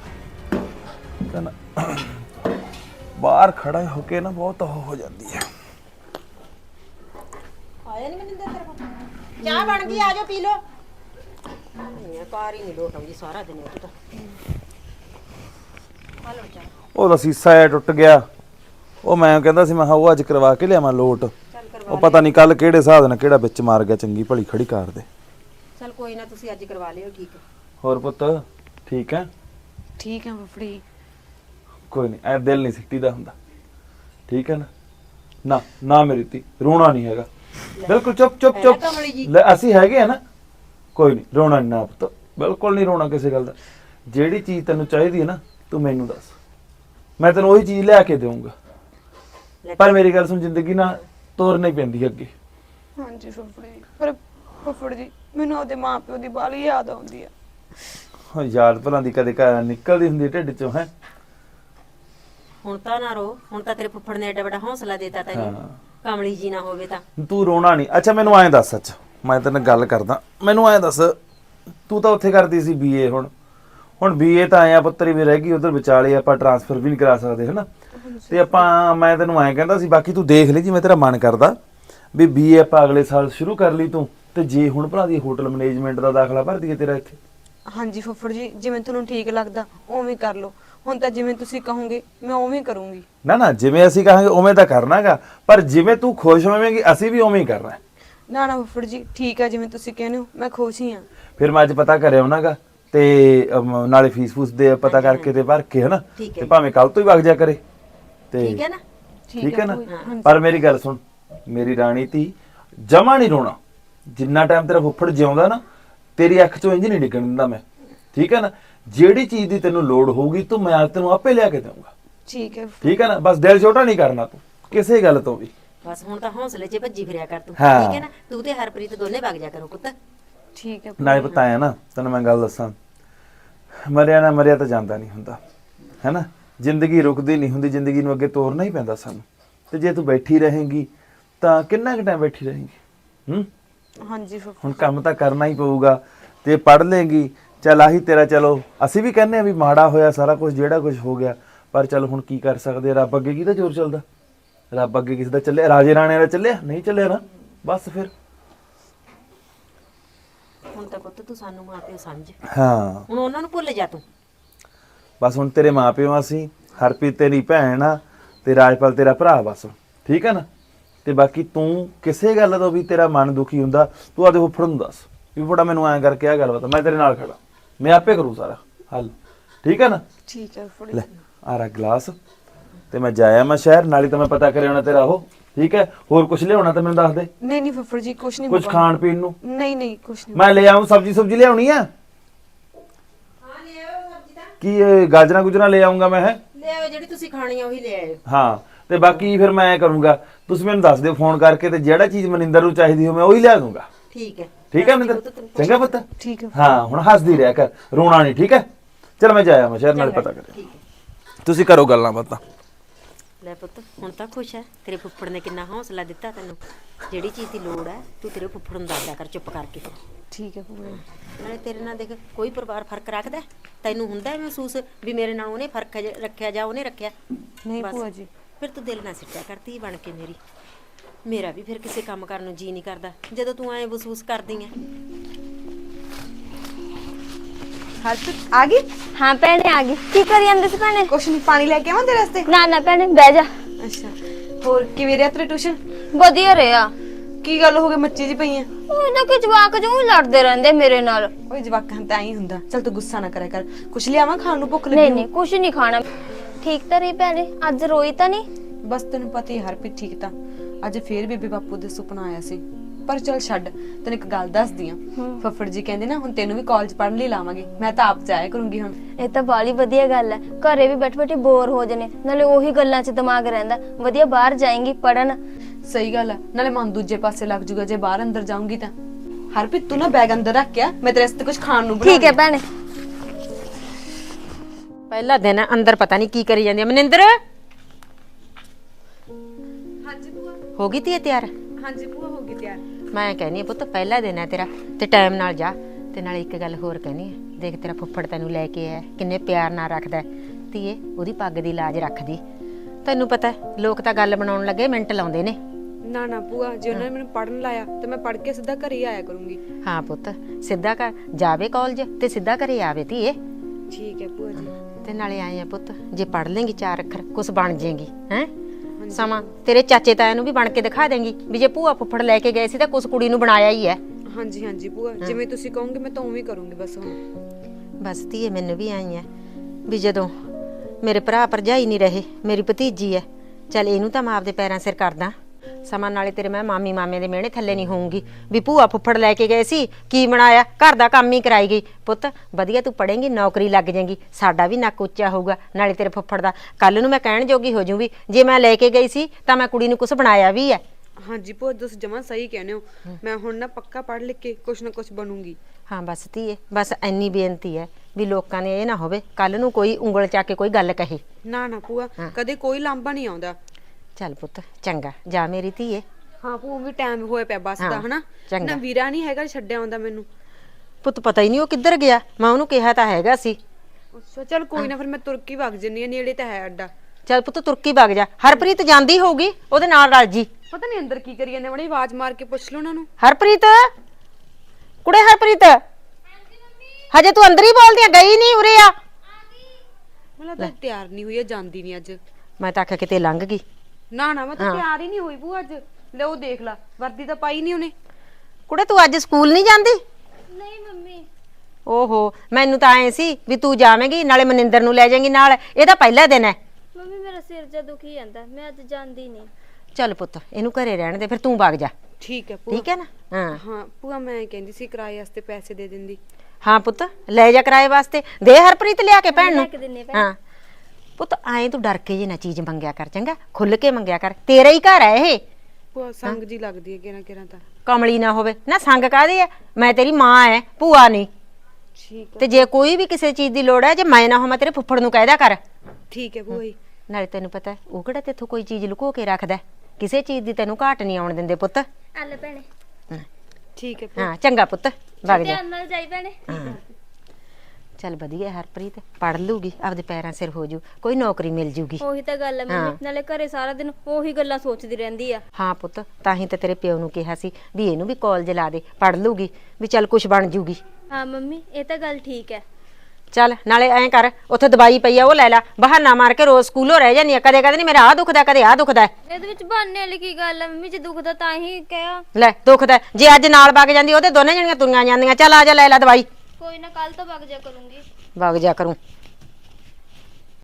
[SPEAKER 3] ਬਾਹਰ ਖੜਾ ਹੋ ਕੇ ਨਾ ਬਹੁਤ ਹੋ ਜਾਂਦੀ ਹੈ।
[SPEAKER 2] ਆਇਆ ਨਹੀਂ ਮਨਿੰਦਰ ਤੇਰਾ ਚਾਹ ਬਣ ਗਈ, ਆ ਜਾਓ ਪੀ ਲਓ। ਨਹੀਂ ਕਾਰ ਹੀ ਨਹੀਂ ਲੋਟ ਆਉਂਦੀ ਸਾਰਾ ਦਿਨ ਉਹ ਤਾਂ ਹਲੋ ਚਾ
[SPEAKER 3] ਉਹਦਾ ਸੀਸਾ ਐ ਟੁੱਟ ਗਿਆ। ਉਹ ਮੈਂ ਕਹਿੰਦਾ ਸੀ ਮੈਂ ਕਿਹਾ ਉਹ ਅੱਜ ਕਰਵਾ ਕੇ ਲਿਆਵਾਂ ਲੋਟ।
[SPEAKER 2] ਚੱਲ ਕਰਵਾ
[SPEAKER 3] ਉਹ ਪਤਾ ਨਹੀਂ ਕੱਲ ਕਿਹੜੇ ਹਿਸਾਬ ਨਾਲ ਕਿਹੜਾ ਵਿੱਚ ਮਾਰ ਗਿਆ, ਚੰਗੀ ਭਲੀ ਖੜੀ ਕਾਰ ਦੇ।
[SPEAKER 2] ਚੱਲ ਕੋਈ ਨਾ ਤੁਸੀਂ ਅੱਜ ਕਰਵਾ ਲਿਓ ਠੀਕ ਹੈ।
[SPEAKER 3] ਹੋਰ ਪੁੱਤ ਠੀਕ ਹੈ?
[SPEAKER 1] ਠੀਕ ਹੈ ਫੁੱਫੜ ਜੀ।
[SPEAKER 3] ਕੋਈ ਨਹੀਂ, ਐ ਦਿਲ ਨਹੀਂ ਸਿੱਟੀਦਾ ਹੁੰਦਾ, ਠੀਕ ਹੈ ਨਾ? ਨਾ ਨਾ ਮੇਰੀ ਧੀ, ਰੋਣਾ ਨਹੀਂ ਹੈਗਾ, ਬਿਲਕੁਲ ਚੁੱਪ ਚੁੱਪ ਚੁੱਪ।
[SPEAKER 2] ਕਮਲੀ ਜੀ
[SPEAKER 3] ਲੈ ਅਸੀਂ ਹੈਗੇ ਆ ਨਾ, ਕੋਈ ਨਹੀਂ ਰੋਣਾ ਨੀ ਨਾ ਪੁੱਤ, ਬਿਲਕੁਲ ਨਹੀਂ ਰੋਣਾ ਕਿਸੇ ਗੱਲ ਦਾ। ਜਿਹੜੀ ਚੀਜ਼ ਤੈਨੂੰ ਚਾਹੀਦੀ ਹੈ ਨਾ ਤੂੰ ਮੈਨੂੰ ਦੱਸ, ਮੈਂ ਤੈਨੂੰ ਉਹੀ ਚੀਜ਼ ਲਿਆ ਕੇ ਦੇਵਾਂਗਾ। ਪਰ ਮੇਰੀ ਗੱਲ ਸੁਣ, ਜ਼ਿੰਦਗੀ ਨਾ ਤੋਰਨੀ ਪੈਂਦੀ ਅੱਗੇ।
[SPEAKER 1] ਹਾਂਜੀ ਫੁੱਫੜ ਜੀ, ਪਰ ਫੁੱਫੜ ਜੀ ਮੈਨੂੰ ਉਹਦੇ ਮਾਪਿਓ ਦੀ ਬਾਲੀ ਯਾਦ ਆਉਂਦੀ ਆ।
[SPEAKER 3] ਹਾਂ ਯਾਦ ਭਲਾਂ ਦੀ ਕਦੇ ਨਿਕਲਦੀ ਹੁੰਦੀ ਢਿੱਡ ਚੋਂ ਹੈ।
[SPEAKER 2] ਹੁਣ ਤਾਂ ਨਾ ਰੋ, ਹੁਣ ਤਾਂ ਤੇਰੇ ਫੁੱਫੜ ਨੇ ਏਡਾ ਵੱਡਾ ਹੌਸਲਾ ਦਿੱਤਾ ਤੈਨੂੰ।
[SPEAKER 3] ਹਾਂ।
[SPEAKER 2] ਕਮਲੀ ਜੀ ਨਾ ਹੋਵੇ ਤਾਂ
[SPEAKER 3] ਤੂੰ ਰੋਣਾ ਨਹੀਂ। ਅੱਛਾ ਮੈਨੂੰ ਐਂ ਦੱਸ, ਸੱਚ ਮੈਂ ਤੇਰੇ ਨਾਲ ਗੱਲ ਕਰਦਾ, ਮੈਨੂੰ ਐਂ ਦੱਸ, ਤੂੰ ਤਾਂ ਉੱਥੇ ਕਰਦੀ ਸੀ ਬੀਏ, ਹੁਣ ਬੀਏ ਤਾਂ ਆਇਆ ਪੁੱਤਰੀ ਵੀ ਰਹਿ ਗਈ ਉਧਰ ਵਿਚਾਲੇ, ਆਪਾਂ ਟ੍ਰਾਂਸਫਰ ਵੀ ਨਹੀਂ ਕਰਾ ਸਕਦੇ ਹਨਾ। ਤੇ ਮੈਂ ਤੈਨੂੰ ਐਂ ਕਹਿੰਦਾ ਸੀ, ਬਾਕੀ ਤੂੰ ਦੇਖ ਲਈ ਜਿਵੇਂ ਤੇਰਾ ਮਨ ਕਰਦਾ ਵੀ ਬੀਏ ਆਪਾਂ ਅਗਲੇ ਸਾਲ ਸ਼ੁਰੂ ਕਰ ਲਈ ਤੂੰ। ਤੇ ਜੇ ਹੁਣ ਭਰਾ ਦੀ ਹੋਟਲ ਮੈਨੇਜਮੈਂਟ ਦਾ ਦਾਖਲਾ ਭਰ ਦਈਏ ਤੇਰਾ ਇੱਥੇ।
[SPEAKER 1] ਹਾਂਜੀ ਫੁੱਫੜ ਜੀ, ਜਿਵੇਂ ਤੁਹਾਨੂੰ ਠੀਕ ਲੱਗਦਾ ਉਵੇਂ ਕਰ ਲਓ। ਹੁਣ ਤਾਂ ਜਿਵੇਂ ਤੁਸੀਂ ਕਹੋਗੇ ਮੈਂ ਉਵੇਂ ਕਰੂੰਗੀ।
[SPEAKER 3] ਨਾ ਨਾ, ਜਿਵੇਂ ਅਸੀਂ ਕਹਾਂਗੇ ਉਵੇਂ ਤਾਂ ਕਰਨਾਗਾ, ਪਰ ਜਿਵੇਂ ਤੂੰ ਖੁਸ਼ ਹੋਵੇਂਗੀ ਅਸੀਂ ਵੀ ਉਵੇਂ ਹੀ ਕਰਨਾ।
[SPEAKER 1] ਨਾ ਨਾ ਫੁੱਫੜ ਜੀ ਠੀਕ ਹੈ, ਜਿਵੇਂ ਤੁਸੀਂ ਕਹਿੰਦੇ ਹੋ ਮੈਂ ਖੁਸ਼ ਹੀ ਹਾਂ।
[SPEAKER 3] ਫਿਰ ਮੈਂ ਅੱਜ ਪਤਾ ਕਰਿਆ ਉਹਨਾਂਗਾ ਤੇ ਨਾਲੇ ਫੀਸ ਫੂਸ ਦੇ ਪਤਾ ਕਰਕੇ ਤੇ ਭਰ ਕੇ ਹਨਾ,
[SPEAKER 2] ਠੀਕ ਹੈ।
[SPEAKER 3] ਤੇ ਭਾਵੇਂ ਕੱਲ ਤੋਂ ਹੀ ਵਗ ਜਾ ਕਰੇ ਤੇ
[SPEAKER 2] ਠੀਕ ਹੈ ਨਾ।
[SPEAKER 3] ਠੀਕ ਹੈ ਨਾ। ਪਰ ਮੇਰੀ ਗੱਲ ਸੁਣ, ਮੇਰੀ ਰਾਣੀ ਧੀ, ਜਮਾ ਨਹੀਂ ਰੋਣਾ। ਜਿੰਨਾ ਟਾਈਮ ਤੇਰਾ ਫੁੱਫੜ ਜਿਉਂਦਾ ਨਾ, ਤੇਰੀ ਅੱਖ ਚੋਂ ਇੰਜ ਨਹੀਂ ਡਿੱਗਣ ਦਿੰਦਾ ਮੈਂ, ਠੀਕ ਹੈ ਨਾ। ਜਿਹੜੀ ਚੀਜ਼ ਦੀ ਤੈਨੂੰ ਲੋੜ ਹੋਊਗੀ ਤੂੰ ਮੈਂ ਤੈਨੂੰ ਆਪੇ ਲਿਆ ਕੇ ਦੇਵਾਂਗਾ,
[SPEAKER 1] ਠੀਕ ਹੈ।
[SPEAKER 3] ਠੀਕ ਹੈ ਨਾ। ਬਸ ਦਿਲ ਛੋਟਾ ਨਹੀਂ ਕਰਨਾ ਤੂੰ ਕਿਸੇ ਗੱਲ ਤੋਂ ਵੀ।
[SPEAKER 2] ਬਸ ਹੁਣ ਤਾਂ ਹੌਸਲੇ 'ਚ ਭੱਜੀ ਫਿਰਿਆ ਕਰ ਤੂੰ,
[SPEAKER 3] ਹਾਂ।
[SPEAKER 2] ਠੀਕ ਹੈ ਨਾ। ਤੂੰ ਤੇ ਹਰਪ੍ਰੀਤ ਦੋਨੇ ਵਗ ਜਾ ਕਰੋ ਪੁੱਤ।
[SPEAKER 1] ਠੀਕ ਹੈ।
[SPEAKER 3] ਨਾਲੇ ਪਤਾ ਹੈ ਨਾ, ਤੈਨੂੰ ਮੈਂ ਗੱਲ ਦੱਸਾਂ, ਮਰਿਆ ਨਾ ਮਰਿਆ ਤਾਂ ਜਾਂਦਾ ਨਹੀਂ ਹੁੰਦਾ, ਹੈਨਾ। ਜ਼ਿੰਦਗੀ ਰੁਕਦੀ ਨਹੀਂ ਹੁੰਦੀ, ਜ਼ਿੰਦਗੀ ਨੂੰ ਅੱਗੇ ਤੋਰਨਾ ਹੀ ਪੈਂਦਾ ਸਾਨੂੰ। ਤੇ ਜੇ ਤੂੰ ਬੈਠੀ ਰਹੇਂਗੀ ਤਾਂ ਕਿੰਨਾ ਕੁ ਟਾਈਮ ਬੈਠੀ ਰਹੇਂਗੀ?
[SPEAKER 1] ਹਾਂਜੀ ਫੁੱਫੜ।
[SPEAKER 3] ਹੁਣ ਕੰਮ ਤਾਂ ਕਰਨਾ ਹੀ ਪਊਗਾ, ਤੇ ਪੜ੍ਹ ਲੇਂਗੀ, ਚੱਲ ਆਹੀ ਤੇਰਾ। ਚਲੋ ਅਸੀਂ ਵੀ ਕਹਿੰਦੇ ਆ ਵੀ ਮਾੜਾ ਹੋਇਆ ਸਾਰਾ ਕੁਝ ਜਿਹੜਾ ਕੁਝ ਹੋ ਗਿਆ, ਪਰ ਚੱਲ ਹੁਣ ਕੀ ਕਰ ਸਕਦੇ ਆ, ਰੱਬ ਅੱਗੇ ਕਿਹਦਾ ਜ਼ੋਰ ਚੱਲਦਾ? ਰੱਬ ਅੱਗੇ ਕਿਸੇ ਦਾ ਚੱਲਿਆ? ਰਾਜੇ ਰਾਣੇ ਦਾ ਚੱਲਿਆ? ਨਹੀਂ ਚੱਲਿਆ ਨਾ, ਬਸ ਫਿਰ।
[SPEAKER 2] ਹੁਣ ਤਾਂ ਪੁੱਤ ਤੂੰ ਸਾਨੂੰ ਮਾਪਿਓ ਸਮਝ,
[SPEAKER 3] ਹਾਂ
[SPEAKER 2] ਹੁਣ ਉਹਨਾਂ ਨੂੰ ਭੁੱਲ ਜਾ ਤੂੰ।
[SPEAKER 3] ਬਸ ਹੁਣ ਤੇਰੇ ਮਾਪਿਓ ਅਸੀਂ, ਹਰਪ੍ਰੀਤ ਤੇਰੀ ਭੈਣ ਆ ਤੇ ਰਾਜਪਾਲ ਤੇਰਾ ਭਰਾ, ਬਸ ਠੀਕ ਹੈ ਨਾ। ਤੇ ਬਾਕੀ ਤੂੰ ਕਿਸੇ ਗੱਲ ਤੋਂ ਵੀ ਤੇਰਾ ਮਨ ਦੁਖੀ ਹੁੰਦਾ, ਤੂੰ ਆਦੇ ਫੁੱਫੜ ਨੂੰ ਦੱਸ ਵੀ ਫੁੱਫੜਾ ਮੈਨੂੰ ਐਂ ਕਰਕੇ ਆ ਗੱਲ ਬਤਾ, ਮੈਂ ਤੇਰੇ ਨਾਲ ਖੜਾ, ਮੈਂ ਆਪੇ ਕਰੂ ਸਾਰਾ ਹੱਲ, ਠੀਕ ਹੈ ਨਾ।
[SPEAKER 1] ਠੀਕ ਹੈ ਫੁੱਫੜ
[SPEAKER 3] ਲੈ ਆ ਰਾ ਗਲਾਸ, ਤੇ ਮੈਂ ਜਾਇਆ ਮੈਂ ਸ਼ਹਿਰ, ਨਾਲੇ ਤਾਂ ਮੈਂ ਪਤਾ ਕਰਿਆ ਹੋਣਾ ਤੇਰਾ ਉਹ, ਠੀਕ ਹੈ। ਹੋਰ ਕੁਝ ਲਿਆਉਣਾ ਤਾਂ ਮੈਨੂੰ ਦੱਸ ਦੇ,
[SPEAKER 1] ਨਹੀਂ ਨਹੀਂ ਫੁੱਫੜ ਜੀ ਕੁਛ ਨਹੀਂ।
[SPEAKER 3] ਕੁਝ ਖਾਣ ਪੀਣ ਨੂੰ।
[SPEAKER 1] ਨਹੀਂ ਨਹੀਂ ਕੁਛ ਨਹੀਂ।
[SPEAKER 3] ਮੈਂ ਲੈ ਆਉਂ, ਸਬਜੀ ਲਿਆਉਣੀ ਆ। ਕੀ ਗਾਜਰਾਂ ਗੁਜਰਾਂ ਲੈ ਆਉਂਗਾ ਮੈਂ, ਹੈ
[SPEAKER 2] ਲੈ ਆਓ, ਜਿਹੜੀ ਤੁਸੀਂ ਖਾਣੀ ਆ ਉਹੀ ਲੈ ਆਇਓ।
[SPEAKER 3] ਹਾਂ। ਤੇ ਬਾਕੀ ਫਿਰ ਮੈਂ ਕਰੂੰਗਾ, ਤੁਸੀਂ ਮੈਨੂੰ ਦੱਸ ਦਿਓ ਫੋਨ ਕਰਕੇ, ਤੇ ਜਿਹੜਾ ਚੀਜ਼ ਮਨਿੰਦਰ ਨੂੰ ਚਾਹੀਦੀ ਹੋ ਮੈਂ ਉਹੀ ਲਿਆ ਦੂੰਗਾ।
[SPEAKER 2] ਠੀਕ ਹੈ।
[SPEAKER 3] ਠੀਕ ਹੈ ਮਨਿੰਦਰ, ਚੰਗਾ ਪੁੱਤ।
[SPEAKER 1] ਠੀਕ ਹੈ।
[SPEAKER 3] ਹਾਂ ਹੁਣ ਹੱਸਦੀ ਰਿਹਾ ਕਰ, ਰੋਣਾ ਨਹੀਂ, ਠੀਕ ਹੈ। ਚਲ ਮੈਂ ਜਾਇਆ ਮੈਂ ਸ਼ਹਿਰ, ਨਾਲੇ ਪਤਾ ਕਰਿਆ।
[SPEAKER 2] ਠੀਕ ਹੈ।
[SPEAKER 3] ਤੁਸੀਂ ਕਰੋ ਗੱਲਾਂ ਬਾਤਾਂ।
[SPEAKER 2] ਲੈ ਪੁੱਤ ਹੁਣ ਤਾਂ ਖੁਸ਼ ਹੈ, ਤੇਰੇ ਫੁੱਫੜ ਨੇ ਕਿੰਨਾ ਹੌਸਲਾ ਦਿੱਤਾ ਤੈਨੂੰ। ਜਿਹੜੀ ਚੀਜ਼ ਦੀ ਲੋੜ ਹੈ ਤੂੰ ਤੇਰੇ ਫੁੱਫੜ ਨੂੰ ਦੱਸ ਦਿਆ ਕਰ ਚੁੱਪ ਕਰਕੇ।
[SPEAKER 1] ਠੀਕ ਹੈ ਫੁੱਫੜ ਜੀ।
[SPEAKER 2] ਨਾਲੇ ਤੇਰੇ ਨਾਲ ਦੇਖ ਕੋਈ ਪਰਿਵਾਰ ਫਰਕ ਰੱਖਦਾ? ਤੈਨੂੰ ਹੁੰਦਾ ਹੈ ਮਹਿਸੂਸ ਵੀ ਮੇਰੇ ਨਾਲ ਉਹਨੇ ਫਰਕ ਰੱਖਿਆ ਜਾਂ ਉਹਨੇ ਰੱਖਿਆ?
[SPEAKER 1] ਨਹੀਂ
[SPEAKER 2] ਬਸ,
[SPEAKER 1] ਭੂਆ ਜੀ।
[SPEAKER 2] ਫਿਰ ਤੂੰ ਦਿਲ ਨਾ ਸਿੱਟਿਆ ਕਰ ਧੀ ਬਣ ਕੇ ਮੇਰੀ। ਮੇਰਾ ਵੀ ਫਿਰ ਕਿਸੇ ਕੰਮ ਕਰਨ ਨੂੰ ਜੀ ਨਹੀਂ ਕਰਦਾ ਜਦੋਂ ਤੂੰ ਐਂ ਮਹਿਸੂਸ ਕਰਦੀ ਐ।
[SPEAKER 1] ਹਰਪ੍ਰੀਤ ਆ ਗਈ?
[SPEAKER 5] ਹਾਂ ਭੈਣੇ ਆ ਗਈ। ਕੀ ਕਰੀ ਜਾਂਦੇ ਸੀ ਭੈਣੇ?
[SPEAKER 1] ਕੁਛ ਨਹੀਂ, ਪਾਣੀ ਲੈ ਕੇ ਆਵਾਂ ਤੇਰੇ ਵਾਸਤੇ?
[SPEAKER 5] ਨਾ ਨਾ ਭੈਣੇ ਬਹਿ ਜਾ।
[SPEAKER 1] ਅੱਛਾ, ਹੋਰ ਕਿਵੇਂ ਰਿਹਾ ਤੇਰੀ ਟਿਊਸ਼ਨ?
[SPEAKER 5] ਵਧੀਆ ਰਿਹਾ।
[SPEAKER 1] ਕੀ ਗੱਲ ਹੋ ਗਈ, ਮੱਚੀ ਜੀ ਪਈ ਆ?
[SPEAKER 5] ਉਹ ਨਾ ਕਿ ਜਵਾਕ ਜੋ ਲੜਦੇ ਰਹਿੰਦੇ ਮੇਰੇ ਨਾਲ।
[SPEAKER 1] ਓਏ ਜਵਾਕਾਂ ਤਾਂ ਐਂ ਹੁੰਦਾ। ਚੱਲ ਤੂੰ ਗੁੱਸਾ ਨਾ ਕਰਿਆ ਕਰ, ਕੁਛ ਲਿਆਵਾਂ ਖਾਣ ਨੂੰ? ਭੁੱਖ ਲੱਗੀ
[SPEAKER 5] ਨਹੀਂ ਨਹੀਂ ਕੁਛ ਨਹੀਂ ਖਾਣਾ। ਠੀਕ ਤਾਂ ਰਹੀ ਭੈਣੇ? ਅੱਜ ਰੋਈ ਤਾਂ ਨਹੀਂ?
[SPEAKER 1] ਬਸ ਤੈਨੂੰ ਪਤਾ ਹੀ ਹਰਪ੍ਰੀਤ, ਠੀਕ ਤਾਂ ਅੱਜ ਫੇਰ ਬੇਬੇ ਬਾਪੂ ਦੇ ਸੁਪਨਾ ਆਇਆ ਸੀ। ਪਰ ਚੱਲ ਛੱਡ, ਤੈਨੂੰ ਇੱਕ ਗੱਲ ਦੱਸਦੀ ਆ। ਫੱਫੜ ਜੀ ਕਹਿੰਦੇ ਨਾ ਹੁਣ ਤੈਨੂੰ ਵੀ ਕਾਲਜ ਪੜ੍ਹਨ ਲਈ ਲਾਵਾਂਗੇ। ਮੈਂ ਤਾਂ ਆਪ ਜਾਇਆ ਕਰੂੰਗੀ ਹੁਣ।
[SPEAKER 5] ਇਹ ਤਾਂ ਬਾਲੀ ਵਧੀਆ ਗੱਲ ਹੈ। ਘਰੇ ਵੀ ਬੈਠ ਬੈਠੇ ਬੋਰ ਹੋ ਜਨੇ, ਨਾਲੇ ਉਹੀ ਗੱਲਾਂ 'ਚ ਦਿਮਾਗ ਰਹਿੰਦਾ। ਵਧੀਆ ਬਾਹਰ ਜਾਏਂਗੀ ਪੜਨ।
[SPEAKER 1] ਸਹੀ ਗੱਲ ਹੈ, ਨਾਲੇ ਮਨ ਦੂਜੇ ਪਾਸੇ ਲੱਗ ਜੂਗਾ ਜੇ ਬਾਹਰ ਅੰਦਰ ਜਾਊਂਗੀ ਤਾਂ। ਹਰਪ੍ਰੀਤ ਤੂੰ ਨਾ ਬੈਗ ਅੰਦਰ ਰੱਖ ਕੇ ਆ, ਮੈਂ ਤੇਰੇ ਵਾਸਤੇ ਕੁਝ ਖਾਣ ਨੂੰ ਬਣਾ।
[SPEAKER 5] ਠੀਕ ਹੈ ਭੈਣੇ।
[SPEAKER 2] ਪਹਿਲਾ ਦਿਨ ਹੈ, ਅੰਦਰ ਪਤਾ ਨਹੀਂ ਕੀ ਕਰੀ ਜਾਂਦੀ ਆ। ਮਨਿੰਦਰ
[SPEAKER 1] ਹਾਂਜੀ ਭੂਆ।
[SPEAKER 2] ਹੋ ਗਈ ਤੀ ਤਿਆਰ?
[SPEAKER 1] ਹਾਂਜੀ ਭੂਆ ਹੋ ਗਈ ਤਿਆਰ।
[SPEAKER 2] ਮੈਂ ਕਹਿੰਦੀ ਆ ਪੁੱਤ ਪਹਿਲਾ ਦਿਨ ਹੈ ਤੇਰਾ, ਤੇ ਟਾਈਮ ਨਾਲ ਜਾ। ਤੇ ਨਾਲੇ ਇੱਕ ਗੱਲ ਹੋਰ ਕਹਿੰਦੀ ਆ, ਦੇਖ ਤੇਰਾ ਫੁੱਫੜ ਤੈਨੂੰ ਲੈ ਕੇ ਆਇਆ, ਕਿੰਨੇ ਪਿਆਰ ਨਾਲ ਰੱਖਦਾ ਧੀਏ। ਉਹਦੀ ਪੱਗ ਦੀ ਲਾਜ ਰੱਖਦੀ। ਤੈਨੂੰ ਪਤਾ ਲੋਕ ਤਾਂ ਗੱਲ ਬਣਾਉਣ ਲੱਗੇ ਮਿੰਟ ਲਾਉਂਦੇ ਨੇ।
[SPEAKER 1] ਨਾ ਨਾ ਭੂਆ ਜੇ ਉਹਨਾਂ ਨੇ ਮੈਨੂੰ ਪੜਨ ਲਾਇਆ ਤੇ ਮੈਂ ਪੜ ਕੇ ਸਿੱਧਾ ਘਰੇ ਹੀ ਆਇਆ ਕਰੂੰਗੀ।
[SPEAKER 2] ਹਾਂ ਪੁੱਤ ਸਿੱਧਾ ਕਰ ਜਾਵੇ ਕਾਲਜ ਤੇ ਸਿੱਧਾ ਘਰੇ ਆਵੇ ਧੀਏ।
[SPEAKER 1] ਠੀਕ ਹੈ ਭੂਆ ਜੀ।
[SPEAKER 2] ਤੇ ਨਾਲੇ ਆਏ ਆ ਪੁੱਤ ਜੇ ਪੜ ਲੇਂਗੀ 4 ਅੱਖਰ ਕੁਛ ਬਣ ਜਾਏਗੀ ਹੈ। ਸਮਾਂ ਤੇਰੇ ਚਾਚੇ ਤਾਇਆ ਨੂੰ ਵੀ ਬਣ ਕੇ ਦਿਖਾ ਦੇਂਗੀ ਵੀ ਜੇ ਭੂਆ ਫੁੱਫੜ ਲੈ ਕੇ ਗਏ ਸੀ ਤਾਂ ਕੁਛ ਕੁੜੀ ਨੂੰ ਬਣਾਇਆ ਹੀ ਹੈ।
[SPEAKER 1] ਹਾਂਜੀ ਹਾਂਜੀ ਭੂਆ ਜਿਵੇਂ ਤੁਸੀਂ ਕਹੋਗੇ ਮੈਂ ਤਾਂ ਉਵੇਂ ਹੀ ਕਰੂੰਗੀ ਬਸ ਹੁਣ।
[SPEAKER 2] ਬਸ ਧੀਏ ਮੈਨੂੰ ਵੀ ਆਈ ਹੈ ਵੀ ਜਦੋਂ ਮੇਰੇ ਭਰਾ ਭਰਜਾਈ ਨਹੀਂ ਰਹੇ ਮੇਰੀ ਭਤੀਜੀ ਹੈ ਚੱਲ ਇਹਨੂੰ ਤਾਂ ਮੈਂ ਆਪਦੇ ਪੈਰਾਂ ਸਿਰ ਕਰਦਾ। ਸਮਾਂ ਨਾਲੇ ਤੇਰੇ ਮੈਂ ਮਾਮੀ ਮਾਮੇ ਦੇ ਮਿਹਣੇ ਥੱਲੇ ਨਹੀਂ ਹੋਊਂਗੀ ਵੀ ਭੂਆ ਫੁੱਫੜ ਲੈ ਕੇ ਗਏ ਸੀ ਕੀ ਬਣਾਇਆ ਘਰ ਦਾ ਕੰਮ ਹੀ ਕਰਾਈ ਗਈ। ਪੁੱਤ ਵਧੀਆ ਤੂੰ ਪੜੇਂਗੀ ਨੌਕਰੀ ਲੱਗ ਜਾਏਗੀ ਸਾਡਾ ਵੀ ਨੱਕ ਉੱਚਾ ਹੋਊਗਾ ਨਾਲੇ ਤੇਰੇ ਫੁੱਫੜ ਦਾ ਕੱਲ ਨੂੰ ਮੈਂ ਕਹਿਣ ਜੋਗੀ ਹੋ ਜੂਗੀ ਜੇ ਮੈਂ ਲੈ ਕੇ ਗਈ ਸੀ ਤਾਂ ਮੈਂ ਕੁੜੀ ਨੂੰ ਕੁਛ ਬਣਾਇਆ ਵੀ ਹੈ।
[SPEAKER 1] ਹਾਂਜੀ ਭੂਆ ਤੁਸੀਂ ਜਮਾਂ ਸਹੀ ਕਹਿੰਦੇ ਹੋ। ਮੈਂ ਹੁਣ ਨਾ ਪੱਕਾ ਪੜ ਲਿਖ ਕੇ ਕੁਛ ਨਾ ਕੁਛ ਬਣੂੰਗੀ।
[SPEAKER 2] ਹਾਂ ਬਸ ਧੀਏ ਬਸ ਇੰਨੀ ਬੇਨਤੀ ਹੈ ਵੀ ਲੋਕਾਂ ਨੇ ਇਹ ਨਾ ਹੋਵੇ ਕੱਲ ਨੂੰ ਕੋਈ ਉਂਗਲ ਚੱਕ ਕੇ ਕੋਈ ਗੱਲ ਕਹੇ।
[SPEAKER 1] ਨਾ ਨਾ ਭੂਆ ਕਦੇ ਕੋਈ ਲਾਂਭਾ ਨਹੀਂ ਆਉਂਦਾ।
[SPEAKER 2] ਚੱਲ ਪੁੱਤ ਚੰਗਾ ਜਾ ਮੇਰੀ ਧੀਏ।
[SPEAKER 1] ਹਾਂ ਭੂਆ ਵੀ ਟਾਈਮ ਹੋਇਆ ਪਿਆ ਬੱਸ ਦਾ ਹਨਾ।
[SPEAKER 2] ਚੰਗਾ।
[SPEAKER 1] ਨਾ ਵੀਰਾ ਨਹੀਂ ਹੈਗਾ ਛੱਡਿਆ ਆਉਂਦਾ ਮੈਨੂੰ।
[SPEAKER 2] ਪੁੱਤ ਪਤਾ ਹੀ ਨਹੀਂ ਉਹ ਕਿੱਧਰ ਗਿਆ ਮੈਂ ਉਹਨੂੰ ਕਿਹਾ ਤਾਂ ਹੈਗਾ ਸੀ।
[SPEAKER 1] ਅੱਛਾ ਚਲ ਕੋਈ ਨਾ ਫਿਰ ਮੈਂ ਤੁਰਕੀ ਵਗ ਜੰਨੀ ਆ ਨੇੜੇ ਤਾਂ ਹੈ ਅੱਡਾ।
[SPEAKER 2] ਚੱਲ ਪੁੱਤ ਤੁਰਕੀ ਵਗ ਜਾ ਹਰਪ੍ਰੀਤ ਜਾਂਦੀ ਹੋਊਗੀ ਉਹਦੇ ਨਾਲ ਰਲ ਜੀ।
[SPEAKER 1] ਪਤਾ ਨਹੀਂ ਅੰਦਰ ਕੀ ਕਰੀ ਜਾਂਦੇ ਬੜੀ ਆਵਾਜ਼ ਮਾਰ ਕੇ ਪੁੱਛ ਲਓ ਉਹਨਾਂ ਨੂੰ।
[SPEAKER 2] ਹਰਪ੍ਰੀਤ ਕੁੜੇ ਹਰਪ੍ਰੀਤ ਹਜੇ ਤੂੰ ਅੰਦਰ ਹੀ ਬੋਲਦੀ ਆ ਗਈ ਨਹੀਂ ਉਰੇ ਆ।
[SPEAKER 1] ਮੈਨੂੰ ਤਾਂ ਤਿਆਰ ਨਹੀਂ ਹੋਈ ਆ ਜਾਂਦੀ ਨਹੀਂ ਅੱਜ।
[SPEAKER 2] ਮੈਂ ਤਾਂ ਆਖਿਆ ਕਿਤੇ ਲੰਘ ਗਈ।
[SPEAKER 1] ਨਾ ਨਾ ਮੈਂ ਤਾਂ ਤਿਆਰ ਹੀ ਨਹੀਂ ਹੋਈ ਭੂਆ ਅੱਜ। ਲੈ ਉਹ ਦੇਖ ਲਾ ਵਰਦੀ ਤਾਂ ਪਾਈ ਨਹੀਂ ਉਹਨੇ।
[SPEAKER 2] ਕੁੜੇ ਤੂੰ ਅੱਜ ਸਕੂਲ ਨਹੀਂ ਜਾਂਦੀ?
[SPEAKER 5] ਨਹੀਂ ਮੰਮੀ।
[SPEAKER 2] ਓਹੋ ਮੈਨੂੰ ਤਾਂ ਐ ਸੀ ਵੀ ਤੂੰ ਜਾਵੇਂਗੀ ਨਾਲੇ ਮਨਿੰਦਰ ਨੂੰ ਲੈ ਜਾਏਂਗੀ ਨਾਲ ਇਹਦਾ ਪਹਿਲਾ ਦਿਨ ਹੈ।
[SPEAKER 5] ਮੰਮੀ ਮੇਰਾ ਸਿਰ ਜਿਹਾ ਦੁਖੀ ਜਾਂਦਾ ਮੈਂ ਅੱਜ ਜਾਂਦੀ ਨਹੀਂ।
[SPEAKER 2] ਚੱਲ ਪੁੱਤ ਇਹਨੂੰ ਘਰੇ ਰਹਿਣ ਦੇ ਫਿਰ ਤੂੰ ਵਗ ਜਾ।
[SPEAKER 1] ਠੀਕ ਹੈ ਭੂਆ।
[SPEAKER 2] ਠੀਕ ਹੈ ਨਾ। ਹਾਂ
[SPEAKER 1] ਹਾਂ ਭੂਆ ਮੈਂ ਕਹਿੰਦੀ ਸੀ ਕਿਰਾਏ ਵਾਸਤੇ ਪੈਸੇ ਦੇ ਦਿੰਦੀ।
[SPEAKER 2] ਹਾਂ ਪੁੱਤ ਲੈ ਜਾ ਕਿਰਾਏ ਵਾਸਤੇ ਦੇ ਹਰਪ੍ਰੀਤ ਲਿਆ ਕੇ ਭੈਣ ਨੂੰ। ਹਾਂ ਪੁੱਤ ਐਂ ਤੂੰ ਡਰ ਕੇ ਜੇ ਨਾ ਚੀਜ਼ ਮੰਗਿਆ ਕਰ ਚੰਗਾ ਖੁੱਲ ਕੇ ਮੰਗਿਆ ਕਰ ਤੇਰਾ ਹੀ ਘਰ ਹੈ ਇਹ।
[SPEAKER 1] ਭੂਆ ਸੰਗ ਜੀ ਲੱਗਦੀ ਹੈ ਕਿਹਨਾਂ ਕਿਹਨਾਂ ਤਾਂ।
[SPEAKER 2] ਕਮਲੀ ਨਾ ਹੋਵੇ ਨਾ ਸੰਗ ਕਾਹਦੀ ਐ ਮੈਂ ਤੇਰੀ ਮਾਂ ਐ ਭੂਆ ਨਹੀਂ।
[SPEAKER 1] ਠੀਕ ਹੈ
[SPEAKER 2] ਤੇ ਜੇ ਕੋਈ ਵੀ ਕਿਸੇ ਚੀਜ਼ ਦੀ ਲੋੜ ਹੈ ਜੇ ਮੈਂ ਨਾ ਹੋਵਾਂ ਤੇਰੇ ਫੁੱਫੜ ਨੂੰ ਕਹਿ ਦਿਆ ਕਰ।
[SPEAKER 1] ਠੀਕ ਹੈ ਭੂਆ ਜੀ।
[SPEAKER 2] ਨਾਲੇ ਤੈਨੂੰ ਪਤਾ ਉਹ ਕਿਹੜਾ ਤੇਥੋਂ ਕੋਈ ਚੀਜ਼ ਲੁਕੋ ਕੇ ਰੱਖਦਾ ਕਿਸੇ ਚੀਜ਼ ਦੀ ਤੈਨੂੰ ਘਾਟ ਨਹੀਂ ਆਉਣ ਦਿੰਦੇ ਪੁੱਤ।
[SPEAKER 5] ਆ ਲੈ ਭੈਣੇ।
[SPEAKER 1] ਠੀਕ ਹੈ ਭੂਆ।
[SPEAKER 2] ਹਾਂ ਚੰਗਾ ਪੁੱਤ ਵਗ ਜਾ।
[SPEAKER 5] ਧਿਆਨ ਨਾਲ ਜਾਈ ਭੈਣੇ।
[SPEAKER 2] ਚੱਲ ਵਧੀਆ ਹਰਪ੍ਰੀਤ ਪੜ ਲੂਗੀ ਆਪਦੇ ਪੈਰਾਂ ਸਿਰ ਹੋ ਜੂ ਕੋਈ ਨੌਕਰੀ ਮਿਲ ਜੂਗੀ।
[SPEAKER 5] ਉਹੀ ਤਾਂ ਗੱਲ ਹੈ ਮੰਮੀ ਨਾਲੇ ਘਰੇ ਸਾਰਾ ਦਿਨ ਉਹੀ ਗੱਲਾਂ ਸੋਚਦੀ ਰਹਿੰਦੀ ਆ।
[SPEAKER 2] ਹਾਂ ਪੁੱਤ ਤਾਂ ਹੀ ਤਾਂ ਤੇਰੇ ਪਿਓ ਨੂੰ ਕਿਹਾ ਸੀ ਵੀ ਇਹਨੂੰ ਵੀ ਕਾਲਜ ਲਾ ਦੇ ਪੜ ਲੂਗੀ ਵੀ ਚੱਲ ਕੁਛ ਬਣ ਜੂਗੀ।
[SPEAKER 5] ਹਾਂ ਮੰਮੀ ਇਹ ਤਾਂ ਗੱਲ ਠੀਕ ਹੈ।
[SPEAKER 2] ਚੱਲ ਨਾਲੇ ਐਂ ਕਰ ਉੱਥੇ ਦਵਾਈ ਪਈ ਆ ਉਹ ਲੈ ਲੈ ਬਹਾਨਾ ਮਾਰ ਕੇ ਰੋਜ਼ ਸਕੂਲੋਂ ਰਹਿ ਜਾਂਦੀ ਆ ਕਦੇ ਕਦੇ ਨਹੀਂ ਮੇਰਾ ਆਹ ਦੁਖਦਾ ਕਦੇ ਆਹ ਦੁਖਦਾ।
[SPEAKER 5] ਇਹਦੇ ਵਿੱਚ ਬਹਾਨੇ ਵਾਲੀ ਕੀ ਗੱਲ ਹੈ ਮੰਮੀ ਜੇ ਦੁਖਦਾ ਤਾਂ ਹੀ ਕਿਹਾ।
[SPEAKER 2] ਲੈ ਦੁਖਦਾ ਜੇ ਅੱਜ ਨਾਲ ਵਗ ਜਾਂਦੀ ਉਹਦੇ ਦੋਨੇ ਜਣੀਆਂ ਤੁਰੀਆਂ ਜਾਂਦੀਆਂ ਚੱਲ ਆ ਜਾ ਲੈ ਲੈ ਦਵਾਈ।
[SPEAKER 5] ਕੋਈ ਨਾ ਕੱਲ ਤੋਂ ਵਗ ਜਾ ਕਰੂੰਗੀ।
[SPEAKER 2] ਵਗ ਜਾ ਕਰੂੰ